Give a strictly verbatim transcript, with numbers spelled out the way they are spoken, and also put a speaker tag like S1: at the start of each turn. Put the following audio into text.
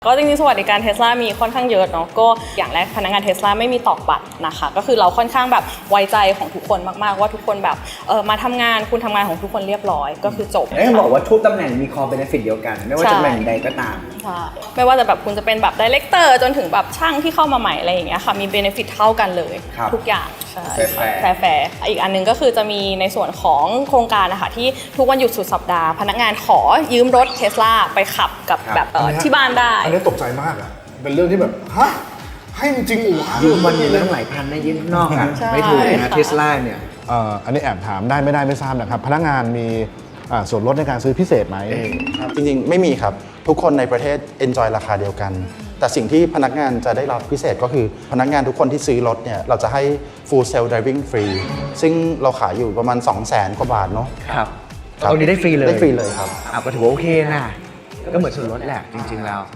S1: ก็จริงๆสวัสดิการ Tesla มีค่อนข้างเยอะเนาะก็อย่างแรกพนักงาน Tesla ไม่มีตอกบัตรนะคะก็คือเราค่อนข้างแบบไว้ใจของทุกคนมากๆว่าทุกคนแบบเออมาทำงานคุณทำงานของทุกคนเรียบร้อยก็คือจบ
S2: แล้วยังบอกว่าทุกตำแหน่งมีคอเบเนฟิตเดียวกันไม่ว่าตำแหน่งใดก็ตาม
S1: ใช่ไม่ว่าจะแบบคุณจะเป็นแบบดีเลกเตอร์จนถึงแบบช่างที่เข้ามาใหม่อะไรอย่างเงี้ยค่ะมีเบเนฟิตเท่ากันเลยทุกอย่างใช่แฟร์แฟร์อีกอันนึงก็คือจะมีในส่วนของโครงการนะคะที่ทุกวันหยุดสุดสัปดาห์พนักงานขอยืมรถ Tesla ไปขับกับแบบที่บ้านได้
S3: อันนี้ตกใจมากอ่ะเป็นเรื่องที่แบบฮะให้จริงๆอู๋
S2: ยืมวันนี้เรื่องหลายพันนะยืมข้างนอกอ่ะไม่ถูกนะเทสลาเนี่ย
S4: อันนี้แอบถามได้ไม่ได้ไม่ทราบนะครับพนักงานมีส่วนลดในการซื้อพิเศษไหม
S5: จริงๆไม่มีครับทุกคนในประเทศ enjoy ราคาเดียวกันแต่สิ่งที่พนักงานจะได้รับพิเศษก็คือพนักงานทุกคนที่ซื้อรถเนี่ยเราจะให้ full self driving free ซึ่งเราขายอยู่ประมาณ สองแสน กว่าบาทเนาะ
S2: ครับตรงนี้ได้ฟรีเลย
S5: ได้ฟรีเลยครับ
S2: อ่ะก็ถือว่าโอเคนะก็เหมือนส่วนลดแหละจริงๆแล้ว